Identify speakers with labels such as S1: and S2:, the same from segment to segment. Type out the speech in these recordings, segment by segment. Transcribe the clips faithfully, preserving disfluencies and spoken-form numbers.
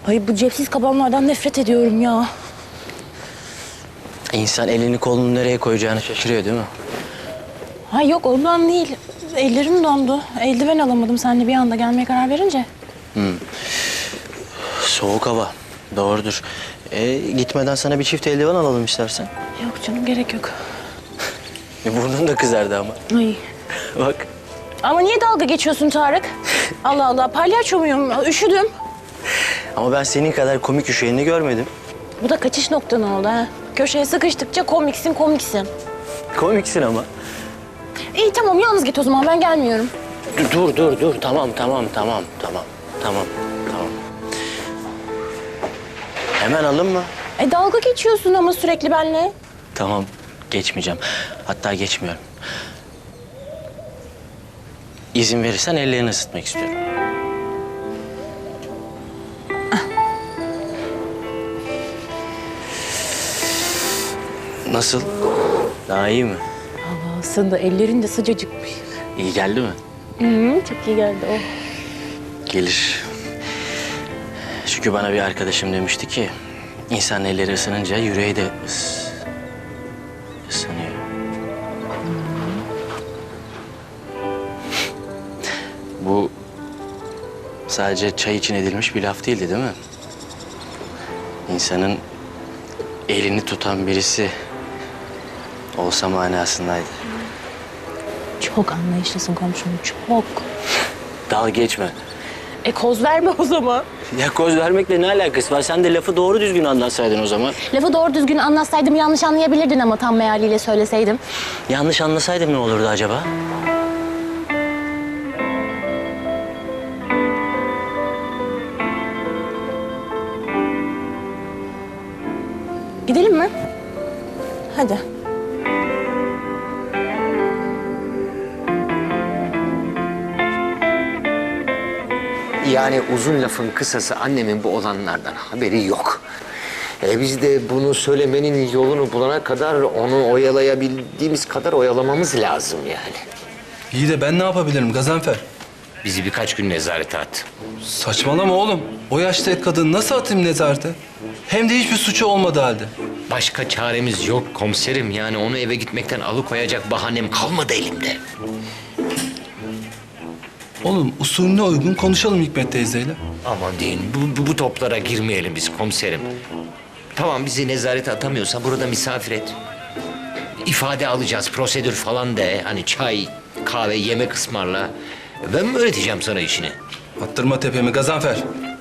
S1: Ay bu cepsiz kabanlardan nefret ediyorum ya.
S2: İnsan elini kolunu nereye koyacağını şaşırıyor değil mi?
S1: Ha yok ondan değil. Ellerim dondu. Eldiven alamadım seninle bir anda gelmeye karar verince.
S2: Soğuk hava. Doğrudur. E, gitmeden sana bir çift eldiven alalım istersen.
S1: Yok canım gerek yok.
S2: E, burnun da kızardı ama.
S1: Ay.
S2: Bak.
S1: Ama niye dalga geçiyorsun Tarık? Allah Allah palyaço muyum? Üşüdüm.
S2: Ama ben senin kadar komik üşüyeni görmedim.
S1: Bu da kaçış noktan oldu ha. Köşeye sıkıştıkça komiksin komiksin.
S2: Komiksin ama.
S1: İyi tamam yalnız git o zaman ben gelmiyorum.
S2: Dur dur dur, dur. Tamam tamam tamam tamam tamam tamam. Hemen alın mı?
S1: E dalga geçiyorsun ama sürekli benimle.
S2: Tamam geçmeyeceğim. Hatta geçmiyorum. İzin verirsen ellerini ısıtmak istiyorum. Nasıl? Daha iyi mi?
S1: Allah aslında ellerin de sıcacıkmış.
S2: İyi geldi mi?
S1: Hı, çok iyi geldi o.
S2: Gelir. Çünkü bana bir arkadaşım demişti ki... ...insan elleri ısınınca yüreği de ıs... ısınıyor. Bu... sadece çay için edilmiş bir laf değildi değil mi? İnsanın... elini tutan birisi... olsa manasındaydı.
S1: Çok anlayışlısın komşum, çok.
S2: Dalga geçme.
S1: E koz verme o zaman.
S2: Ya koz vermekle ne alakası var? Sen de lafı doğru düzgün anlatsaydın o zaman.
S1: Lafı doğru düzgün anlatsaydım yanlış anlayabilirdin ama tam mealiyle söyleseydim.
S2: Yanlış anlasaydım ne olurdu acaba?
S1: Gidelim mi? Hadi.
S3: Yani uzun lafın kısası annemin bu olanlardan haberi yok. E biz de bunu söylemenin yolunu bulana kadar onu oyalayabildiğimiz kadar oyalamamız lazım yani.
S4: İyi de ben ne yapabilirim Gazanfer?
S3: Bizi birkaç gün nezarete at.
S4: Saçmalama oğlum. O yaşta kadın nasıl atayım nezarete? Hem de hiçbir suçu olmadı halde.
S3: Başka çaremiz yok komiserim. Yani onu eve gitmekten alıkoyacak bahanem kalmadı elimde.
S4: Oğlum usulüne uygun konuşalım Hikmet teyzeyle.
S3: Aman deyin bu, bu, bu toplara girmeyelim biz komiserim. Tamam bizi nezarete atamıyorsa burada misafir et. İfade alacağız, prosedür falan de. Hani çay, kahve, yemek ısmarla. Ben mi öğreteceğim sana işini?
S4: Attırma tepemi Gazanfer.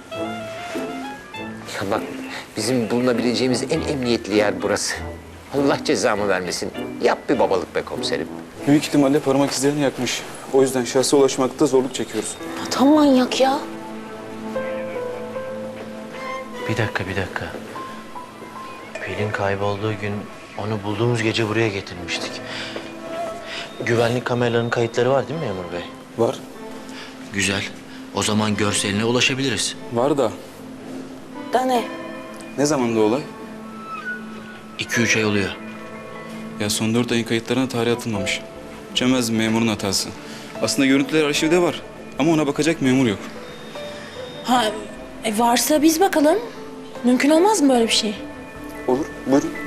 S3: Ya bak bizim bulunabileceğimiz en emniyetli yer burası. Allah cezamı vermesin. Yap bir babalık be komiserim.
S5: Büyük ihtimalle parmak izlerini yakmış. O yüzden şahsa ulaşmakta zorluk çekiyoruz.
S1: Tam manyak ya.
S2: Bir dakika, bir dakika. Pelin kaybolduğu gün onu bulduğumuz gece buraya getirmiştik. Güvenlik kameralarının kayıtları var değil mi memur bey?
S5: Var.
S2: Güzel. O zaman görseline ulaşabiliriz.
S5: Var da
S1: Da ne?
S5: ne zamanda olay?
S2: İki üç ay oluyor.
S5: Ya son dört ayın kayıtlarına tarih atılmamış. Çömez memurun hatası. Aslında görüntüler arşivde var. Ama ona bakacak memur yok.
S1: Ha e varsa biz bakalım. Mümkün olmaz mı böyle bir şey?
S5: Olur, buyurun.